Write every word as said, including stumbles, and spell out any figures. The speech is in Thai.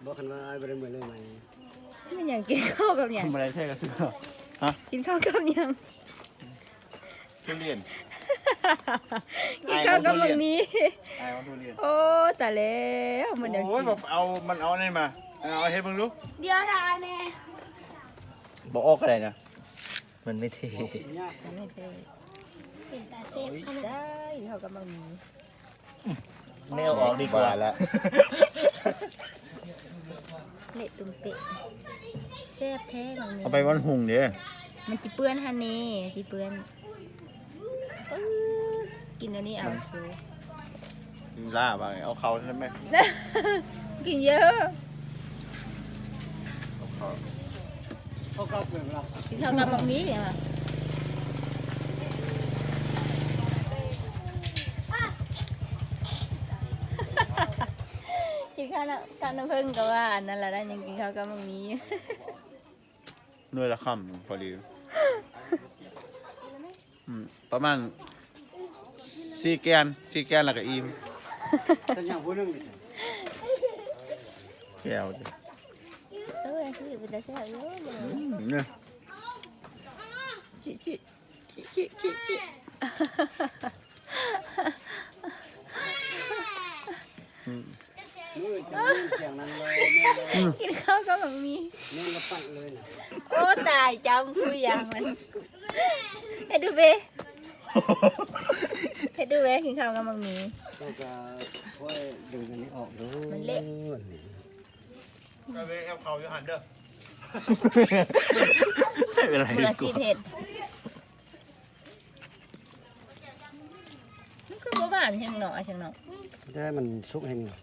บอกกันว่าไอ้บริเวณเลยไหมมันยังกินข้าวกับยังทำอะไรใช่กันสิฮะกินข้าวกับยังทุเรียนกินข้าวกับมังนี้ไอ้วันทุเรียนโอ้แต่แล้วมันยังโอ้ยบอกเอามันเอาอะไรมาเอาให้มึงรู้เดี๋ยวทายแน่บอกออกอะไรนะมันไม่เท่ไม่เท่เป็นตาเซฟขนาดได้กินข้าวกับมังนี้ไม่เอาออกดีกว่าแล้วเละตุ้มเปะแซ่บแท้มังนี้เอาไปวันหุงเดี๋ยวมันจีเปื้อนฮันนี่จีเปื้อนอื้อกินอันนี้เอาซูล่าบ้างเอาเขาใช่ไหมกินเยอะเอาเขาเขาก็เปลี่ยนเรากินข้าวกับมังนี้เหรอกินข้าวน้ำข้าวน้ำผึ้งกับว่าอันนั่นแหละได้ยังกินข้าวกับมังนี้หน่วยละคำพอดีอืมประมาณสี่แกนสี่แกนแล้วก็อิ่มแต่อย่างผู้นึงแก้วดิเออคือเป็นตาแซ่บเยอะเลยอืมเนี่ยขี้ขี้ขี้ขี้ขี้มือจะมือเสียงนั้นเลยแม่เลยกินข้าวกับมังนี้แม่ละปั่นเลยนะโอ้ตายจำคุยอย่างมันให้ดูเบให้ดูเบกินข้าวกับมังนี้ต้องจะค่อยดึงอันนี้ออกดูมันเละก็ไปเอาเขาอยู่หันเด้อไม่เป็นไรเบื่อสีเผ็ดมันคือบ่หวานเชียงหนอเชียงหนอได้มันสุกแห้ง